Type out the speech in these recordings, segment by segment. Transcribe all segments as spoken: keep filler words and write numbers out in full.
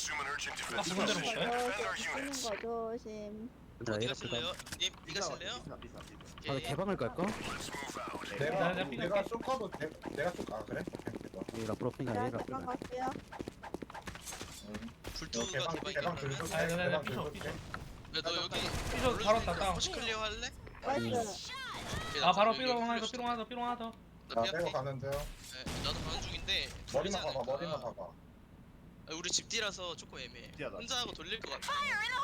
아, 반대로 볼까요? 쓰는 거 조심. 자, 어디 얘가 가실래요? 님, 니 가실래요? 아, 오케이. 개방을 갈까? 나- 내가 나 내가 삐- 쇼커도 내, 내가 쇼아 그래? 오케이, 얘가 프로핑이야, 자, 얘가 잠깐 프로핑. 갈게요. 응. 불투가 개방 개방이 개방 그러면? 들고 아, 나- 나- 나 개방 삐져, 들고 삐져. 야, 너 여기 삐져, 바로 왔다, 다운. 혹시 클리어 할래? 나이스. 오케이, 아 나 바로 여기 삐롱 하나 더 클리어 삐롱 하나 더 삐롱 하나 더. 나 나 삐약해. 빼고 가는데요. 네, 나도 가는 중인데 머리만 돌리지 봐봐 않을까? 머리만 봐봐. 아, 우리 집 뒤라서 조금 애매해. 집뒤하다. 혼자 하고 돌릴 것 같아.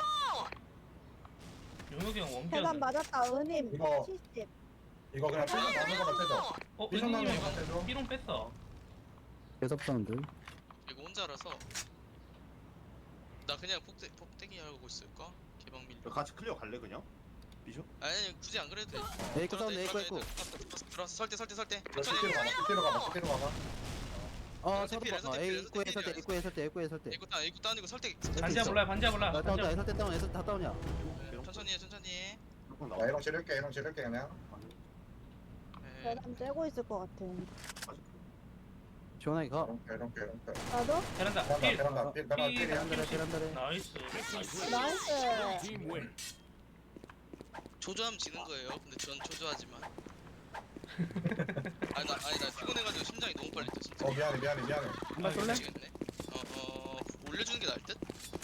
용혁이 형 세단 원기였네. 맞았다. 은임 이거- 칠십. 이거 그냥 삐져 나는 거만 떼줘. 어 삐져 나는 은님이 거만 떼줘. 삐롱 뺐어. 계속 사운드. 이거 혼자라서 나 그냥 폭대, 폭대기 하고 있을까? 개방 밀. 같이 클리어 갈래 그냥? 비쇼? 아니 굳이 안 그래도 돼. 에이코 사운드, 에이코, 에이코. 들어왔어. 설대 설대 설대. 너 천천히. 삐로 가봐 삐로 가봐 삐로 가봐. 어, 에이코 서로 필, 봐. 에이코 필, 에이코에 에이코 설때, 필. 에이코에 설때, 에이코에 설때. 이거 따 이거 따는 거 설대. 반지야 몰라 반지야 몰라. 나 다운이야, 반지야. 에설때 다운, 에설 다 다운이야. 네, 천천히 해 천천히 해. 조금 나 나와. 이런 지를게 이런 지를게 그냥. 네. 세단 떼고 있을 것 같아. 시원하게 가. 이렇게 이렇게 이렇게. 나도? 베란다 베란다 필. 베란다 삐 베란다 삐. 삐. 베란다래, 베란다래. 나이스. 나이스. 조조하면 지는 거예요. 근데 전 조조하지만. 아니 나 아니 나 피곤해가지고 심장이 너무 빨리 뛰어 진짜. 어 미안해 미안해 미안해. 한발 쏠래? 미치겠네. 어, 어 올려주는 게 나을 듯?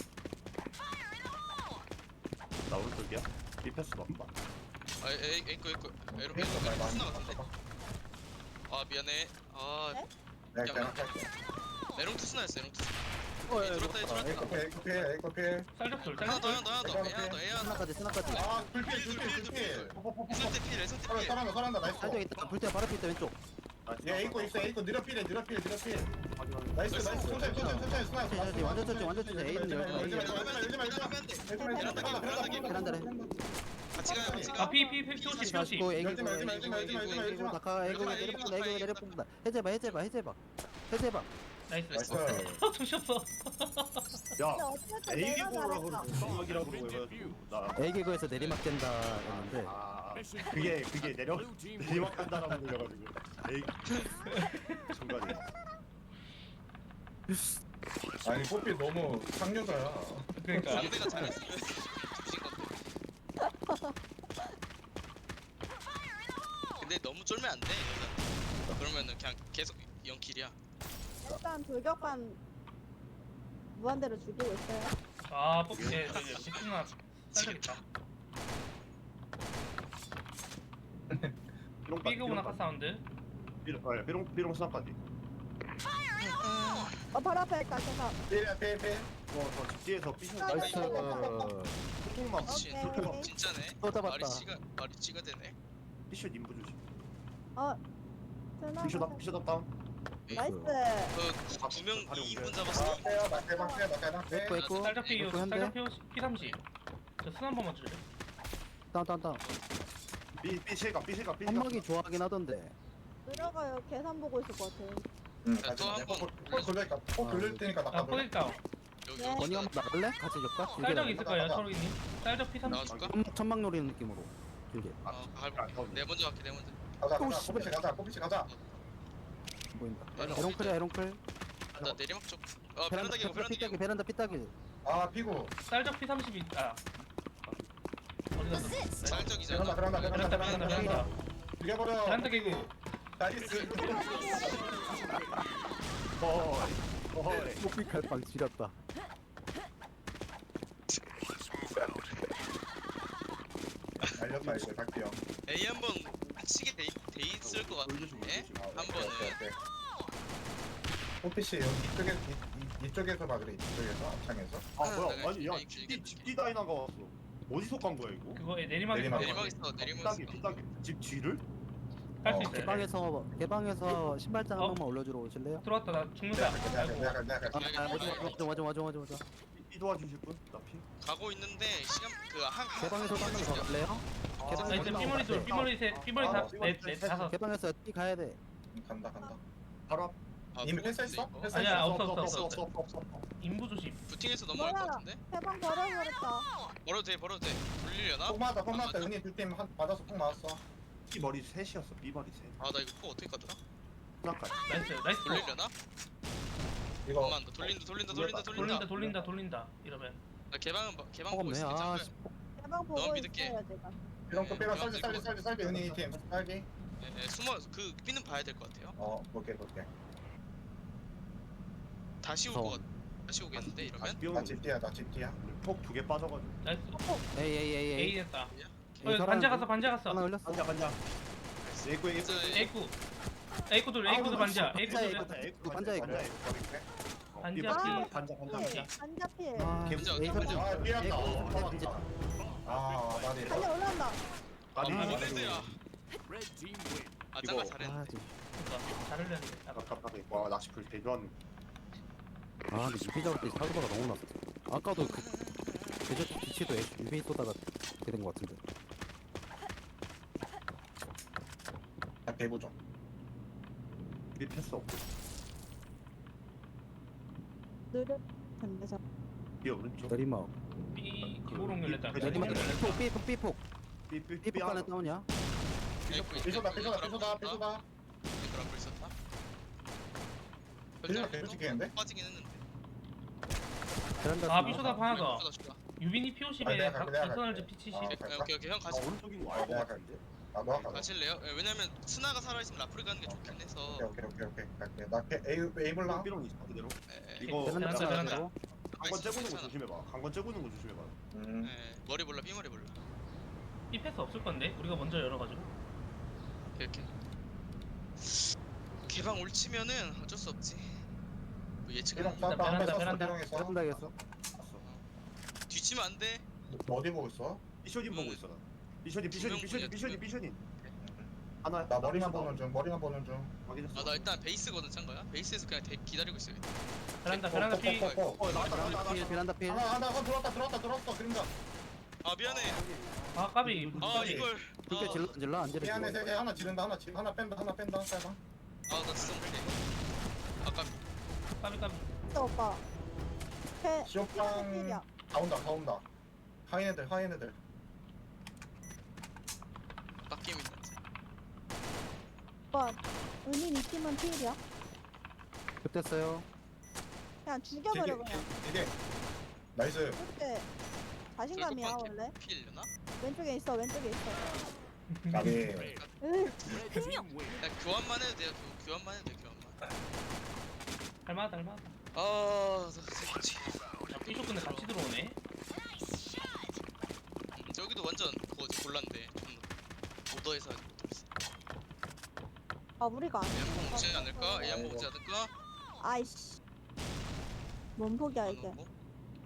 나 오른쪽이야? 리패스 넘봐. 아 에이 에이코 에이코 에로 삐져 에이코 말고 스나 안 같은데? 봐. 아 미안해. 아 네? 내가 그냥 할게. 에롱트 스나였어 에롱트 스나. 어, 야, 들었다, 이거 들었다. 에이코 필 에이코 필 에이코 필. 쌀적돌 하나 더 쌀적돌. 하나 더 하나 더 에이 하나 더 에이 하나 더. 스나까지, 스나까지. 아 불필 불필 불필. 에설대 필 에설대 필. 설한다 설한다 나이스. 살짝 있다. 불태야 바로 밑에 왼쪽. 얘 에이코 있어 에이코 느려 필해 느려 필 느려 필. 나이스 나이스 천천히 천천히 천천히 스나. 천천히, 천천히, 완전 천천히, 완전 천천히. 에이는 열지 마, 열지 마, 에이는 열지 마, 열지 마, 열지 마. 열지 마, 열지 마. 베란다래. 같이 가요 같이 가. 아피피 피오십 피오십. 가시고, 에이고, 열지 마, 열지 마, 열지 마, 열지 마, 열지 마, 열지 마. 다카, 에이고, 내려본다, 에이고, 내려본다. 해제봐, 해제봐, 해제봐. 해제봐. 나이스. 나이스. 어 정신 없어. 야, 근데 어쨌든 에이기 내가 보라고 잘했다. 생각이라고 해가지고 나. 에이기고에서 내리막 된다 했는데. 아, 그게 그게 내려 내리막 간다라고 들려가지고. 에이. 중간에. 아니 뽀삐 너무 상여자야. 그러니까 상대가 잘했으면 뒤진 건데. 근데 너무 쫄면 안 돼. 여자. 그러면은 그냥 계속 영킬이야. 일단 돌격반 무한대로 죽이고 있어요. 아 뽑기 제 저기 집중나 쌀적 있다. 삐롱 삐그보나 카 사운드. 삐롱 아, 삐롱 삐롱 스나까지. 어, 바로 앞에 있다, 계산. 필 필 필. 어저 집뒤에서 삐쇼 나이스. 조금만 진, 오케이. 진짜네. 또 잡았다. 말이 씨가 말이 씨가 되네. 삐쇼 님부 조심. 어, 세단. 삐쇼 다 삐쇼 다 다운. 나이스. 그두명 다리 이 인분 옮겨요. 잡았어. 아 빼요 나 대박 빼요 나 대박 빼. 에이코, 에이코. 쌀적 피 에이코 현대. 쌀적 피 삼십. 저순 한 번만 줄래? 다운, 다운, 다운. 삐 삐실가 삐실가 삐실가. 한막이 좋아하긴 하던데. 들어가요. 계산 보고 있을 것 같아. 응. 자, 또한 번. 폴 돌릴까? 폴 돌릴 테니까 아 나가. 포획 다운. 여기 네. 여기 건이 한번 나갈래? 같이 줄까? 쌀적 있을 거예요 철우이님. 쌀적 피 삼십. 나와줄까? 천막, 천막 노리는 느낌으로. 길게. 어, 갈게. 내 먼저 갈게 내 먼저. 가자 또 가자 씨발. 뽀삐씨 가자 뽀삐씨 가자. 보인다. 에롱 에롱클이야, 에롱클. 나 내리막 쪽. 어 베란다, 베란다 개고 베란다 피따기, 개고. 베란다 피따기. 아 피구. 쌀적 피 삼십 있다. 어디 갔어? 쌀적이잖아. 베란다 베란다 베란다 베란다 베란다 베란다. 베란다. 죽여버려. 베란다 개구. 나이스. 어이 어이. 뽀삐 칼빵 지렸다. 알렸다 이거 갈게요. A 한번 미치게 돼, 돼 있을 것 같은데. 한 번은 뽀삐씨 여기 이쪽에 이, 이, 이쪽에서 봐 그래 이쪽에서 앞창에서. 아 뭐야? 내가 아니 야 길게 집뒤 길게 집뒤 다이나가 왔어. 어디서 간 거야 이거? 그거에 내리막이 내리막. 내리막 있어 내리막 피따기 있어. 피따기 집 뒤를? 할수 어, 있어요. 개방에서, 개방에서 신발장 한 어? 번만 올려주러 오실래요? 들어왔다 나 죽는다. 내가 내가 내가 내가 아, 아, 오지 마, 오지 마, 오지 마, 오지 마, 오지 마, 오지 마. 이 도와주실 분? 나 피. 가고 있는데 시간 그한 개방에서 한번 더 갈래요? 아, 계단 나 이제 아, 삐머리 둘 삐머리 셋 삐머리 아, 다넷넷 다섯. 개방에서 뛰 가야 돼. 간다 간다. 바로 앞. 이미 패스했어? 패스- 아니야 없어 없어 없어 없어. 없어 없어 없어. 인부 조심. 부팅해서 넘어갈 것 뭐야? 같은데? 해방 버려버렸다. 벌어도 돼 벌어도 돼. 돌리려나? 폭 맞았다 폭 맞았다 은희 둘팀 한 맞아서 폭 맞았어. B 머리 셋이었어. B 머리 셋. 아 나 이거 포 어떻게 가더라? 스나까지. 나이스 나이스. 돌리려나? 이거 엄마 너 돌린다 돌린다 돌린다 돌린다 돌린다. 돌린다 돌린다 이러면 나 개방은 봐- 개방 어, 보고 없네. 있어. 아, 괜찮아. 씨. 대방 보고 너무 믿을게. 있어요 제가. 삐롱 또 삐롱 네, 쌀지 쌀지 쌀지 쌀지 은희 팀 쌀지. 예, 예, 숨어 그 삐는 봐야 될 것 같아요. 어 볼게 볼게. 다시 올 무서워. 것 같. 다시 오겠는데 이러면. 다시 나 삐오는 집뒤야 나 집뒤야. 폭두 개 빠져가지고. 나이스. 에이 에이 에이 A 에이. 됐다. 에이, 어, 사람 반자 갔어 반자 갔어. 하나 걸렸어. 반자 반자. 에이쿠 에이쿠. 진짜 에이쿠. 에이쿠들 에이쿠도 반자. 에이쿠 반자, 둘. 에이쿠. 에이쿠 반자, 에이쿠. 반자 반자, 반자 피. 반자 반자 피. 반자. 반자 필. 아, 개부자, 에이, 개부자. 사람. 아 삐었다. 에이, 어 반자. 맞다. 아 나네. 반자 올라온다. 아 아니 뭔 아니. 레드야. 아 이거- 짱가 잘했네. 아, 지금. 그러니까 잘 흘렸는데. 아까 아깝다. 와 낚시풀 대전. 아, 근데 유비 잡을 때 사고가 너무 났어. 아까도 그 대저 뒤치도 유비 쏘다가 되는 것 같은데. 나 대부 좀. 삐 패스 없고. 느려. 근데 저 삐 오른쪽. 내리막. B 기보롱 열렸다. 그- 내리막. 내리막. 삐폭 삐폭 삐폭. 삐삐 삐폭 안에 다운이야? 에이쿠 삐소다 삐소다 삐소다 삐소다. 에이쿠 앞으로 있었다. 삐소다 계속 찍히는데? 빠지긴 했는데. 베란다. 아, 쓰나? 삐쇼다 하나 더. 삐쇼다, 삐쇼다. 유빈이 아, 피오십에 내가 갈게, 내가 박선알즈 갈게. 피칠십. 아, 오케이 오케이 오케이 형 아 가시. 오른쪽인 거 아 알고 내가 같은데. 갈게. 나도 아까. 가실래요? 예, 왜냐면 스나가 살아있으면 라프리 가는 게 좋긴 해서. 오케이 오케이 오케이 오케이 갈게. 나 A A 몰라. 삐롱 있어 그대로. 예, 예. 이거 베란다, 베란다 베란다. 쓰고. 강건 째고는 거 괜찮아. 조심해봐. 강건 째고는 거 조심해봐. 음. 예, 머리 몰라 삐머리 몰라. B 패스 없을 건데 우리가 먼저 열어가지고. 이렇게 개방 올치면은 어쩔 수 없지. 뭐 예측은 삐롱 쐈다 한발 베란다, 쐈어 베란다. 삐롱에서. 베란다겠어. 뒤치면 안 돼. 너 어디 보고 있어? 삐쇼딘 보고 있어 나. 삐쇼딘 두명 삐쇼딘 삐쇼딘 보냐, 삐쇼딘 두 삐쇼딘. 하나. 나 머리만 보는 중 머리만 보는 중. 확인했어. 아 나 일단 베이스거든 짠 거야. 베이스에서 그냥 대, 기다리고 있어요. 베란다 베란다 B. 어, 어, 어, 어. 어 나왔다 나왔다 필 나왔다. 베란다 필. 하나 하나 한 들어왔다 들어왔다 들어왔어 그림자. 아 미안해. 아 까비. 아 까비. 이걸. 그렇게 질러 질러 안 질러. 미안해 세개 하나 지른다 하나 지 하나 뺀다 하나 뺀다 빨방. 아나 진짜 못해. 아까 까비 까비. 진짜 오빠. 패. 시오빵 필이야. 다 온다 다 온다. 하인 애들 하인 애들. 빡게임 있는지. 오빠. 은인 이 팀은 필이야. 급됐어요. 그냥 죽여버려 그냥. 이게 나이스. 그때 자신감이야 절곡 원래. 피 일려나? 왼쪽에 있어 왼쪽에 있어. 가비. 으. 야 교환만 해도 돼요. 교, 교환만 해도 돼 교환만. 할만하다 할만하다. 아나 새끼지. 야 B쇼 근데 같이 들어오네. 음, 저기도 완전 그거지 골란데. 오더에서 하지 못했어. 아 우리가 안. A 한번 오지 어, 않을까? A 한번 오지 않을까? 아이씨. 뭔 폭이야 안 이게. 오고.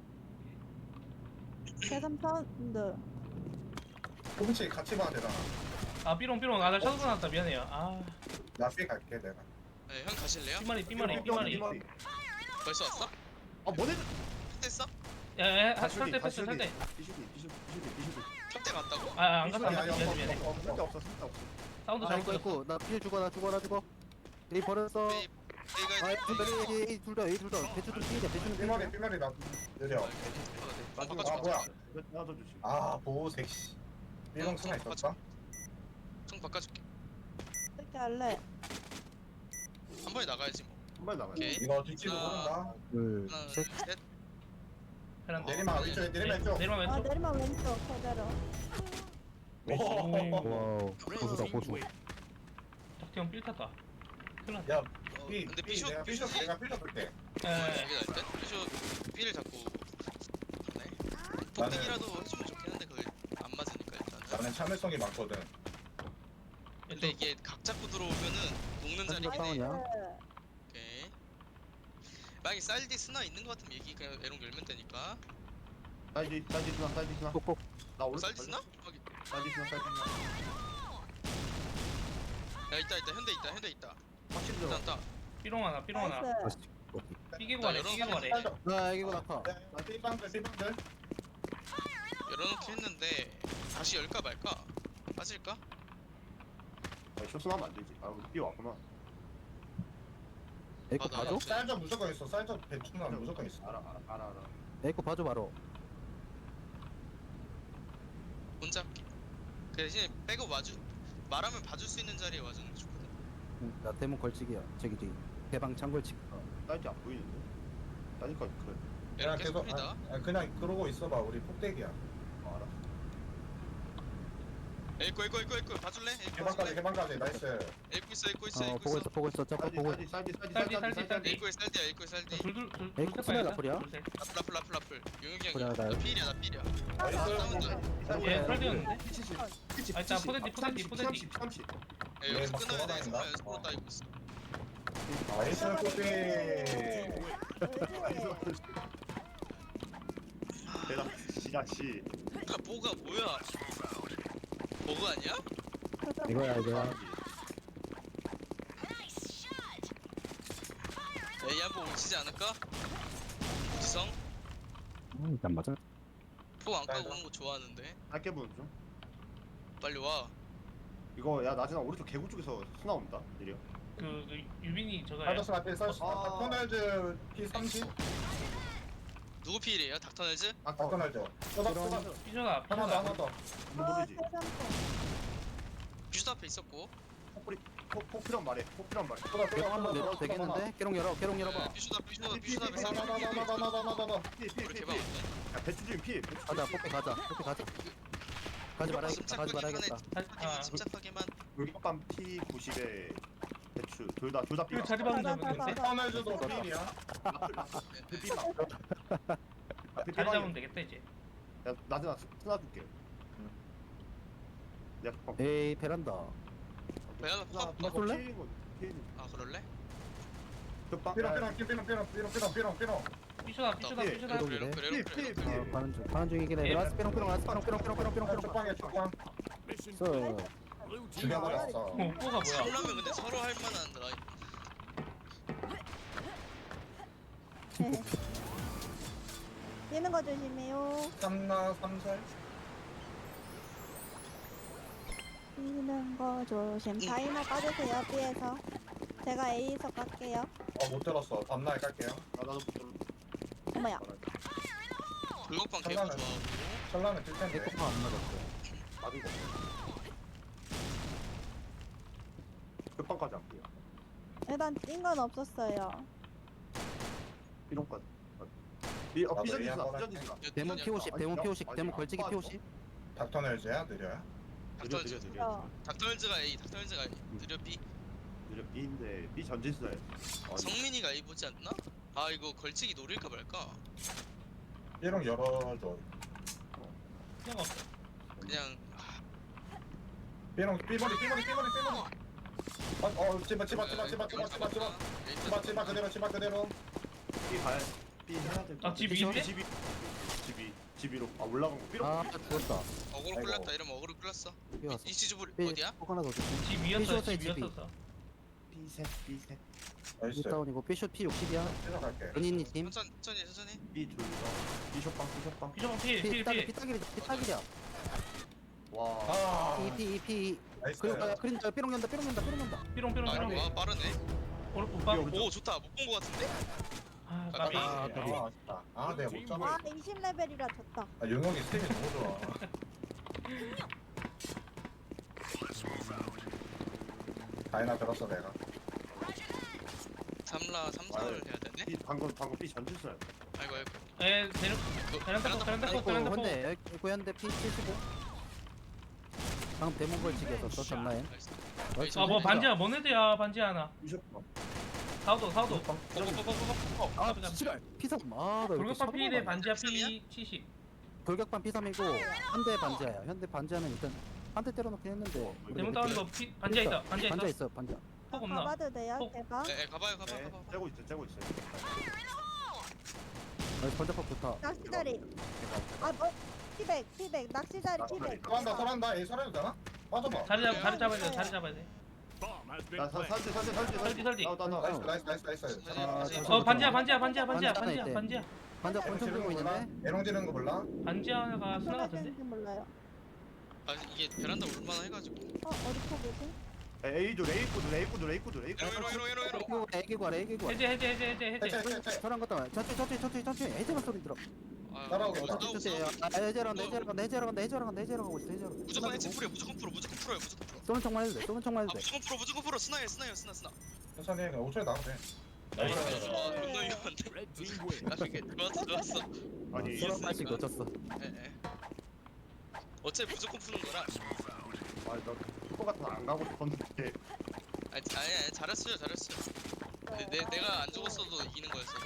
대삼천드. 조금씩 같이 봐야 되잖아. 아 B롱 B롱 아나 셔도 나왔다 미안해요. 아 나삐 갈게 내가. 네, 형 가실래요? B마리 B마리 B마리. 벌써 왔어? 아 뭐네? 됐어? 야야 다시 설대 다시 패스 설대. 삐쇼딘 삐쇼딘 삐쇼딘 삐쇼딘. 탑대 갔다고? 아안 갔다 안 아니, 갔다 아니, 미안해 미안해. 없어, 쓸데 없어. 없어 쓸데 없어. 사운드 아 잘못 이거 들었어. 있고 나필 죽어 나 죽어 나 죽어. 에이 버렸어. A A가 아 둘다 에이 둘다 에이 둘다 대추도 필이야 대추는 삐머리 필이야. 삐머리 나 느려. 마지막 아, 뭐야. 하나 더 주시. 아 보호색 씨. 삐롱 스나 있었다. 총 바꿔줄게. 어떻게 할래? 한 번에 나가야지 뭐. 한발 남아. 오케이. 이거 뒤치고 하나. 보는다. 둘 하나, 셋. 셋. 베란다. 내리막 왼쪽에 내리막 왼쪽. 내리막 아 왼쪽. 내리막 왼쪽 그대로. 오. 와우 고수다 고수. 덕태형 삘 탔다. 큰일 났다. 야, 어, 삐, 근데 삐, 피쇼 내가 삐쇼 피쇼 내가 삐쇼 볼게. 에 여기 날 때? 피쇼 B를 잡고 가네. 폭대기라도 해주면 좋긴 한데 그걸 안 맞으니까 일단은. 나는 참을성이 많거든. 근데 이게 각 잡고 들어오면은 녹는 자리긴 해. 다운이야? 오케이. 만약에 쌀디 스나 있는 거 같으면 얘기 그냥 에롱 열면 되니까. 사이드 사이드 스나 사이드 스나. 꼭꼭. 나 오른. 쌀디 스나? 확인. 사이드 스나 사이드 스나. 야 있다 있다 현대 있다 현대 있다. 확실히 일단 들어. 따. B롱 하나 B롱 하나. 나이스. 삐개고 가래 삐개고 가래. 나 이거 낙하. 나 삐방들 삐방들. 열어놓긴 했는데 다시 열까 말까? 빠질까? 아, 쇼스 하면 안 되지. 아, 우리 삐 왔구나. 에이코 아, 나 봐줘? 쌀저 무조건 있어. 쌀저 대충은 무조건 있어. 알아, 알아, 알아, 알아. 에이코 봐줘 바로. 혼자 할게. 그 대신에 백업 와주 말하면 봐줄 수 있는 자리에 와주는 게 좋거든. 응, 나 대문 걸치기야. 저기 저기 대방 창 걸치기. 사이트 안 보이는데? 따니까 그 그냥 에러 계속 계속 큽니다. 아, 아, 그냥 그러고 있어봐. 우리 폭대기야. 어, 알아. 에이코 에이코 에이코 에이코 봐줄래? 에이코 개방까지 봐줄래? 개방까지 나이스. 에이코 있어 에이코 있어 어 에이코 보고 있어. 있어 보고 있어 저거 쌀디 보고 쌀디 쌀디 쌀디 쌀디, 쌀디 쌀디, 쌀디 에이코에 쌀디야 에이코에 쌀디. 둘둘둘 에이, 코스메 라플이야? 라플 라플 라플 라플. 용혁이 그래, 형이야. 나- 나 필이야 나 필이야. 나이스. 싸운다. 얘 설계였는데? 피칠십 아, 일단 포대티, 포대티, 포대티. 삼십 삼십 에 여기서 막 끊어야 돼. 돌아다닌다. 정말 연습으로 따이고 있어. 나이스 폭대. 그렇지. 대박 시다시 아 뭐가 뭐야? 버그 아니야? 이거야 이거야 에이 한번 오치지 않을까? 지성? 음, 일단 맞아 포 안 까고 오는 거 좋아하는데. 짧게 보는 중 빨리 와. 이거 야 나진아 오른쪽 개구 쪽에서 수나 온다 느려 그, 그 유빈이 저거야. 하더스 앞에 서 아. 닥터널즈 피 삼십. 누구 필이에요? 닥터널즈? 아까 닥터널즈. 쏘다 쏘다. 삐져나, 하나 더 삐져나. 하나 더. 뭐 아, 모르지 세상에. 뷰스 앞에 있었고. 폭뿌리 폭필한 말해 폭필한 말해 쏘다 쏘다. 깨롱 한번 내려도 되겠는데? 깨롱 열어 깨롱 열어봐 뷰스 앞 뷰스 앞 피, 뷰스 피, 앞에 피, 싸우는 거. 나나나나나나나나나나. 우리 피피피 개방 없네. 야 배추 주인 피 배추 가자 뽑기 가자 뽑기 가자 가지 말아야겠다 가지 말아야겠다 침착하게만 침착하게만. 물감피 구십에 배추 둘 다 둘 다 그 삐라 자리 박는 다, 잡으면 다, 되는데? 닥터널즈도 필이야. 그 삐라 앞에 자리 잡으면 삐방이 되겠다, 이제. 야 나진아 스나 줄게 내가 방 에이 베란다 배달라 나 포. 쏠래? 피해는 거 피해는 아 그럴래? 급방 삐롱 삐롱 삐롱 삐롱 삐롱 삐롱 삐롱 삐롱. 삐져나, 삐져나, 예, 삐져나. 그래도 그래 그래? 그래 피, 그래 피, 그래. 어 가는 중 가는 중이긴 해 라스 삐롱 삐롱 라스 삐롱 삐롱 삐롱 삐롱 삐롱 삐롱 쪽방이야 쪽방. 써 죽여버렸어. 어, 오빠가 뭐야? 살려면 근데 서로 할 만한 라인. 네. 뛰는 거 조심해요. 삼나 삼살. 뛰는 거 조심. 음. 다이너 빠지세요, B에서. 제가 A에서 갈게요. 어못 들었어. 밤날 깔게요. 아 나도 못 들어 어머야. 불곡방 개구 장난은. 좋아하고. 설라는 뜰 텐데. 에코파 안 맞았어 나도 거 급방까지 안 보여 일단 뛴 건 없었어요. 삐롱까지 삐, 어, 나도 삐전 이 지수나 한번 삐전 할게. 지수나 데몬 피 오십 데몬 피 오십 데몬 걸치기 피 오십 닥터널즈야 느려야. 느려 닥터널즈. 느려 느려 어. 닥터널즈가 A 닥터널즈가 A. 느려 B. 느려 B인데 B 전진수야 성민이가 A 보지 않나? 아 이거 걸치기 노릴까 말까? 삐롱 열어줘. 그냥 없어. 그냥 삐롱 삐머리 삐머리 삐머리 삐머리. 어 집어 집어 집어 집어 집어 집어 집어 집어 집어 그대로 집어 그대로. B 가야 B 해야 돼 아, 집 위인데? 집이 집이 집이로 아 올라간 거 삐롱 아 죽었다 어그로 아이고. 끌렸다 이러면 어그로 끌렸어. 뛰어왔어 이치즈불 삐 어디야? 꼭 하나 더 줄게 집 위였어, 삐져서 집 위였었어. B셋 B셋 나이스. 다운이고 삐쇼 피 육십이야 들어갈게. 은인이 팀 천천히 천천히 천천히. B 둘 B 숏방 B 숏방 삐져나, 필, 필, 피딱이 필. 피딱이리 피딱이야 와 아 이피이피 나이스. 그리고 아, 그림 저 삐롱 연다 삐롱 연다 삐롱 연다 삐롱, 삐롱, 아 삐롱. 와 빠르네. 오른 오빠. 삐- 오 좋다 못 본 거 같은데? 아, 아, 까비. 아, 아 까비. 아쉽다. 아 내가 못 잡아. 아, 이십 레벨이라 졌다. 아 용혁이 스텝이 너무 좋아. 다이나 들었어 내가. 삼라 삼성을 해야 되네. B 방금 방금 B 전진수야 아이고 아이고. 에, 데려, 베란다 포, 베란다 포, 에코 베란다 포. 현대 에코 현대 피 칠십오 방금 데몬 걸치기였었어 전라인 나이스. 아, 뭐 반지야, 뭔 애들야, 반지 하나. B 숏방 사우도, 사우도. 고고고고고고. 아 지랄 피삼 아나 돌격반 필에 반지야 피 칠십. 돌격반 피삼이고 현대 반지하야 현대 반지하는 일단 한 대 때려놓긴 했는데 대문 다운 거 피, 반지야 있다, 반지야 반지하 있어. 있어 반지하 폭 없나? 가봐도 돼요, 어. 제가? 에 가봐요 가봐 네 가봐. 째고 있어 째고 있어 아 번쩍폭 좋다 낚시다리. 아, 뭐? 피백, 피백, 낚시다리 피백. 설한다 설한다. 얘 설해도 되나? 빠져봐. 자리 잡, 자리 잡아야 돼, 자리 잡아야 돼. 나 사- 설지 설지 설지 설지, 설지. 나나 나이스 나이스 나이스 나이스. 사진, 아, 사진. 저- 어, 반지야, 반지야, 반지야, 반지야, 반지 하나 반지야, 있대. 반지야. 반지하 권총 들고 있는데 에롱 지르는 거 몰라? 반지하가 스나 같은데? 지 몰라요. 아 이게 베란다 올만한 해가지고. 어, 어디 포기지? A도 A코드 A코드 A코드 A코드 에로 에로 에로 에로 에로. 애기고 아래 애기고 해제, 해제, 해제, 해제, 해체 해제. 해체 해체. 저런 것도 천천히 천천히 천천히 천천히 해제만 소리 들어 아, 따라오고 싸우고, 있다. 싸우고, 천천히 싸우고. 아 해제로 간다 해제로 간다 해제로 간다 해제로 간다 해제로 가고 있어 해제로 무조건 해체 풀이야 무조건 풀어 무조건 풀어요 무조건 풀어. 쏘는 척만 해도 돼 쏘는 척만 아 해도 돼 무조건 풀어 무조건 풀어 스나야 스나야 스나 스나. 천천히 해. 오 초에 나가도 돼. 나이스. 아 존나 위험한데. 나중에 좋았어 좋았어. 아니 서로 한 이겼으니까. 발씩 놓쳤어. 예예. 어차피 무조건 푸는 거라. 아니 나 그거 같은 안 가고 싶었는데 아니 자- 아니, 아니 잘했어요 잘했어요. 내, 내 내가 안 죽었어도 이기는 거였어서.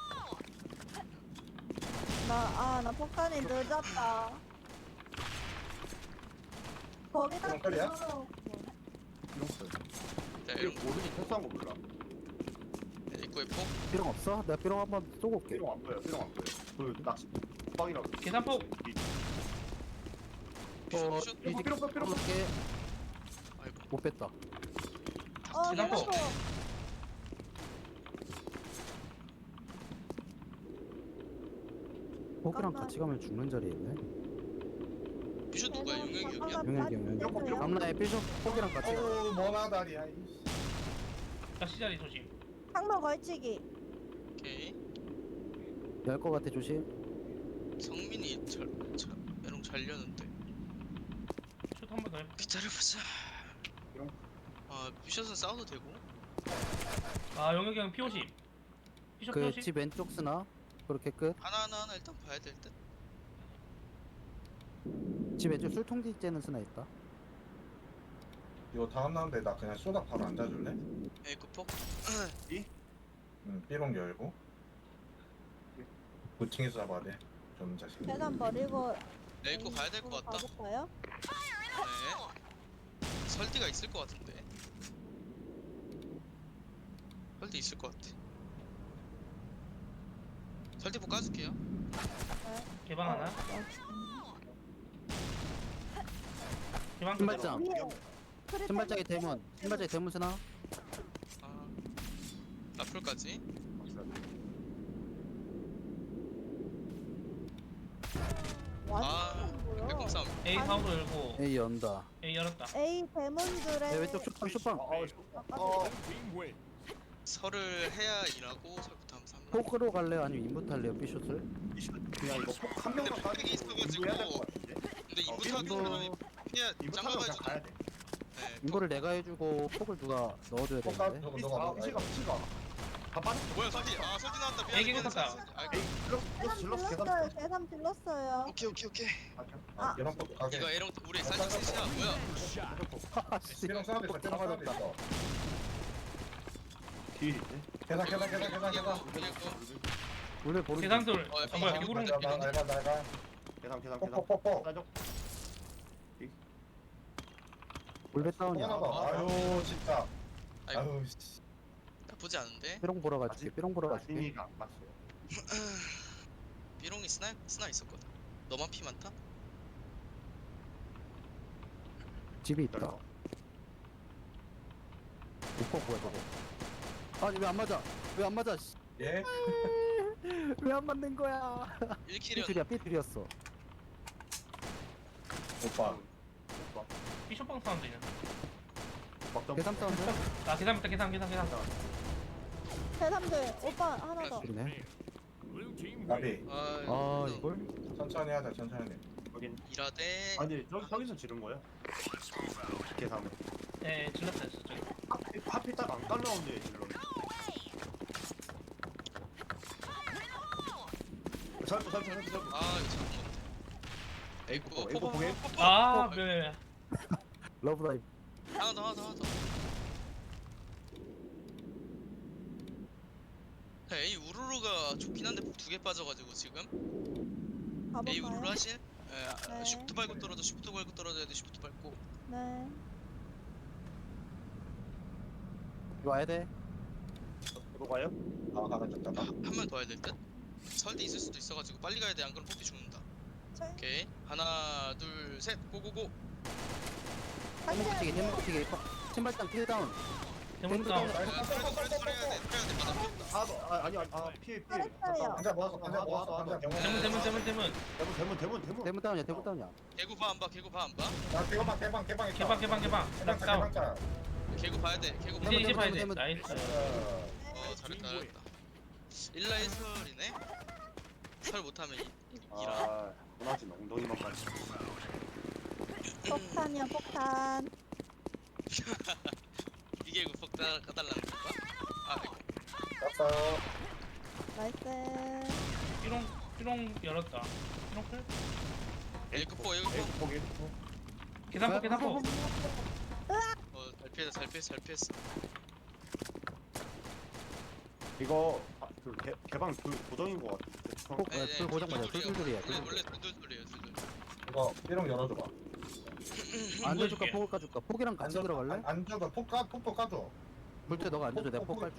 나아나 폭탄이 늦었다. 거기다 그럼 그래요? 붙여놓고. 이랬어요. 자 이거 이런 거 모르니 패스한 거 몰라. 입구에 폭. 삐롱 없어? 내가 삐롱 한번 쏘고 올게. 삐롱 안 보여. 삐롱 안 보여. 그 낚시 빵이라고. 계산폭. 어, 슛. 뒤집 삐롱 삐롱 삐롱. 게 아이고. 못 뺐다. 어 계산폭. 계산폭. 포기랑 잠깐만. 같이 가면 죽는 자리에 있네. 비숍 누구야? 용영이 형이야? 용혁이 형, 용혁이 형. 암라에 삐쇼 포기랑 같이 가. 어우 머나다리야 이씨. 다시 자리 조심. 항로 걸치기. 오케이. 열거 같아 조심. 성민이 잘, 잘 메롱 잘렸는데. 슛 한 번 더 해. 기다려보자. 삐롱. 아 비숍은 싸워도 되고. 아 영혁이 형 피오십. 피쇼 그 피오십. 집 왼쪽 쓰나? 그렇게 끝. 하나 하나 하나 일단 봐야 될 듯. 집 왼쪽 술통지 째는 쓰나 있다. 이거 다음 라운드에 나 그냥 쏘다 바로 앉아줄래? 에이크 폭. 응 삐롱 열고 고층에서 잡아야 돼. 좀 자신. 계산 버리고. 에이크 가야 될 것 같다. 가볼까요? 네. 설디가 있을 것 같은데. 설디 있을 것 같아. 설디 폭 까줄게요. 개방 하나. 개방 끝. 신발장. 위에. 크리탄 신발장에 대문. 신발장에 대문 쓰나? 아 라플까지. 완전 뭐야? 백공 싸움. A 사우로 열고 에이 연다. A 열었다. A 대문들의. 내 왼쪽 쇼빵 쇼빵. 어, 어, 어, 설을 해야 일하고 설부터 하면 삼. 포크로 갈래요? 아니면 인부터 할래요? 삐숏을? 그냥 이거 폭한 근데 명만 폭백이 있어가지고. 해야 될 것 같은데. 근데 어, 이부터 하기 인부 전에 그냥 이거 타면 그냥 짱가가지고. 가야 돼. 네. 인부를 내가 해주고 폭을 누가 넣어줘야 폭가 되는데. 저거 아, 너가 피시가 피시가. 다 빠졌어. 뭐야 설디? 아 설디 나왔다. 미안해. 애기 미안해, 꽂았다. 설디. 아, 에이, 질러 질러 질러서 질렀어요. 계산. 계산 질렀어요. 오케이 오케이 오케이. 아 삐롱 폭 가게. 이거 에롱 우리 사진 셋이야 뭐야? 아씨. 삐롱 쏘는데 삐롱 쏘는데 있어. 뒤에 있네. 계산 계산 계산 계산 이거 계산. 이거 원래 보는. 계산돌. 어, 아 뭐야 개구름 날가 느낌. 날가 날가. 계산 계산 계산. 폭폭폭폭. 따져. 골배 다운이야. 하나 봐. 아유 진짜. 아이고 아유 씨. 나쁘지 않은데. 삐롱 보러 가줄게. 삐롱 보러 가줄게. 마진이가 안 맞어요. 비롱이 스나 스나 있었거든. 너만 피 많다? 집이 있다. 기다려. 오빠 뭐야 저거? 아니 왜 안 맞아? 왜 안 맞아? 씨. 예? 왜 안 맞는 거야? 일 킬이었. 삐둘이야 삐둘이었어. 오빠. 오빠. 피쇼빵 사운드 있는. 막점. 계산 사운드? 아 계산 있다 계산 계산 계산. 대삼들 오빠 하나 더. 그러네. 나비. 아, 아 너 이걸? 천천히 하자 천천히. 여긴. 일하대. 아니 저 저기서 지른 거야. 계산을. 예 질렀어요 저기. 하필 하필 딱안 깔라운데 질러. 살포 살포 살포 살포. 아 이거 잡은 거 같아. 에이쿠 어, 에이쿠 보게? 아 네. 러브라이브. 하나 더 하나 더 하나 더. 에이 우르르가 좋긴 한데 두 개 빠져가지고 지금. 에이 우르르 가볼까요? 하실? 에 아, 네. 쉬프트 밟고 떨어져 쉬프트 밟고 떨어져야 돼 쉬프트 밟고. 네. 이거 와야 돼. 들어가요? 아 하나 됐다. 한 명 더 해야 될 듯? 설대 있을 수도 있어가지고 빨리 가야 돼 안 그러면 뽑기 죽는다. 네. 오케이 하나 둘 셋 고고고. 대문치기 대문치기. 신발장 킬다운. 대문 다운. 야, 그래도 그래도 그래야 돼 그래야 돼 받아 피했다. 아, 너, 아 아니 아니 아 피해 피해. 잘했어요. 한자 먹었어 한자 먹었어 한자 대문 경험. 대문 대문 대문. 대문 대문 대문 대문. 대문 다운이야 대문 다운이야. 개구 봐 안 봐? 개구 봐 안 봐? 야 개방 개방 개방 있다. 개방 개방 개방. 개방 다운. 개방자. 개구 봐야 돼. 개구 봐. 이제 이제 대문, 봐야 돼. 대문, 나이스. 어, 어 잘했다 잘했다. 일라이 설이네. 설 못하면 이, 이, 이라. 아 문화진 엉덩이만 가지. 폭탄이야 폭탄. 이게 그 폭탄 까달라는 건가? 아 이거. 왔어. 나이스. 삐롱 삐롱 열었다. 삐롱 클? 에이크포 에이크포. 에이 포기. 계산포 계산포. 어잘 피했어 잘 피했어 잘 피했어. 이거 아, 그 개, 개방 그 고정인 것 같은데. 폭, 네, 불 고정 맞아. 둘둘둘이야. 원래 원래 둘둘둘이에요 둘둘. 이거 삐롱 열어줘봐. 앉아줄까 보여줄게. 폭을 까줄까? 폭이랑 같이 들어갈래? 안, 안 줘도 폭 까, 폭도 까줘. 불때 너가 앉아줘. 내가 폭 깔.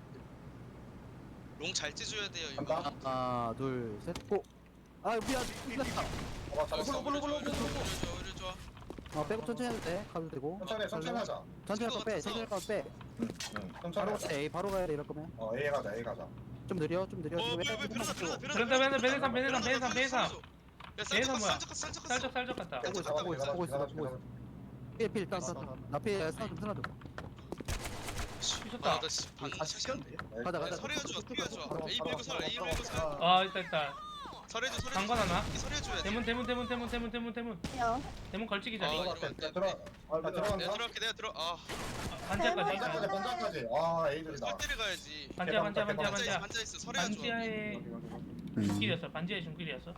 롱잘 찢어야 돼요 이거. 간다. 하나, 둘, 셋, 폭. 아 미안. 끝났다. 어, 잡았어. 오히려 좋아 오히려 좋아 오히려 좋아. 어 빼고 천천히 해도 돼. 가도 되고. 천천히, 해, 천천히 하자. 천천히 가서 빼. 천천히 가서 빼. 응, 응. 천천히 바로 하자. 가야 돼. A 바로 가야 돼. 이럴 거면. 어, A 가자, A 가자. 좀 느려. 좀 느려. 어 지금 뭐야 뭐야 베란다 베란다, 베란다 베란다, 베란다, 베란다, 베란다, 베란다. 야 베란다 쌀적 뭐야? 쌀적 쌀적 살짝 살짝 갔다. 보고 있어, 깜짝 보고 있어, 보고 있어, 보고 보고 있어. 필필 일단 나필 스나 좀 스나 좀. 미쳤다. 아나반 아 시켰는데? 가자 가자. 설해줘 설해줘 A 밀고 설 A 밀고 설 아 있다 있다. 설해줘 설해줘 장관 하나. 설해줘야 돼. 대문 대문 대문 대문 대문 대문 대문 요. 대문 걸치기 아, 자리. 이러면 안 돼. 들어, 아, 나 내가 들어간다. 들어갈게 내가 들어 아 반지하까지. 반장까지, 반장까지. 와, A들이다. 설대를 가야지. 반지하 반지하 반지하 반자 있어 반지하. 반자 있어 설해줘. 반지하의 중길이었어. 반지하의 중길이었어.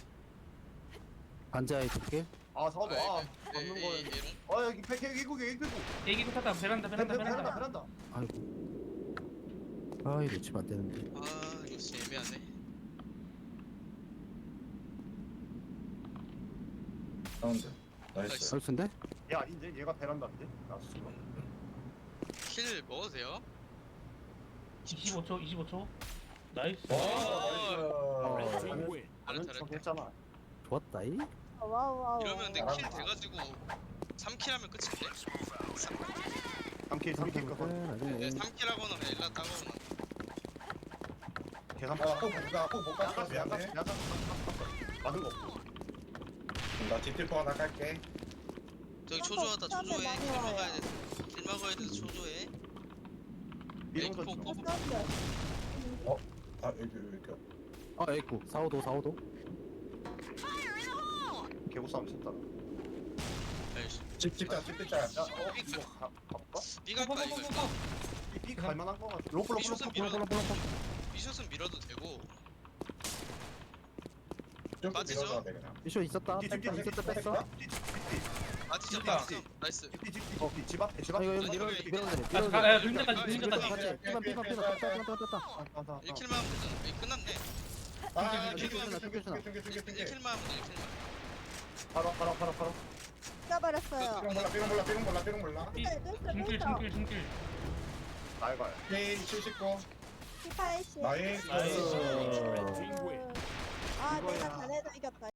반자에 줄게. 아 사도 아 A 잡는 A 거야. A롱. 아 여기 백 개국 개국. 얘기 탔다. 베란다 베란다 베란다 베란다. 베란다. 아이고. 아 이거 놓치면 안 되는데. 아 이거 진짜 애매하네. 사운드. 나이스. 설수인데? 얘 아닌데? 얘가 베란다인데? 나 순간. 킬 먹어도 돼요? 이십오 초 이십오 초. 나이스. 와, 어, 나이스. 잘했- 잘했다, 잘했- 잘했다. 했잖아. 좋았다 이. 와우 와우. 이러면 근데 킬 돼가지고 삼 킬 하면 끝인데? 삼 킬 삼 킬 거. 네, 삼 킬 하거나 그냥 일라 따거나. 계산. 아, 폭 못 가, 폭못 가. 야간 야간 미안해. 야간 맞은 거 없고. 나 뒷til포 하나 깔게. 저기 초조하다 초조해. 킬 막아야 돼. 킬 막아야 돼서 초조해. 이런 거 에이크 좀. 포, 포, 사운드. 아, 여기, 여기. 아 에이쿠 사오도 사오도. 개구 싸움 쳤다. 알지. 집, 집자, 집, 집자. 야, 어 이거 가 가볼까? B가 할까 이거 일단. 이 갈만한 거 같아. 로플 로플 미션은 로플. 밀어도 볼라 볼라 볼라. 미션은 밀어도 되고. 좀 맞으죠? 밀어줘야 돼, 그냥. 미션 있었다. 뒤, 뒤, 뺐다. 뒤, 있었다 뒤, 뺐어. 아 진짜 됐다. 됐어. 나이스. 집집 앞에 집 아 앞에. 이거 여기 아니, 밀어 여기, 밀어 밀어. 아, 가- 야, 그림자까지, 그림자까지. 같이. 삐방 삐방 삐방 뺐다 뺐다 뺐다. 아, 일 킬만 하면 되잖아. 이 끝났네. 아, 중계, 중계, 중계, 중계, 중계, 중계, 중계, 중계. 일 킬만 하면 돼. 일 킬만. 바로 바로 바로 바로. 껴버렸어요. 삐롱 몰라, 삐롱 몰라, 삐롱 몰라, 삐롱 몰라. 삐- 네, 됐어, 중길 됐어. 중길 중길. 날가요. K 칠십구. 팔십. 나이스. 나이스. 아 이거야. 내가 잘해도 이겼다.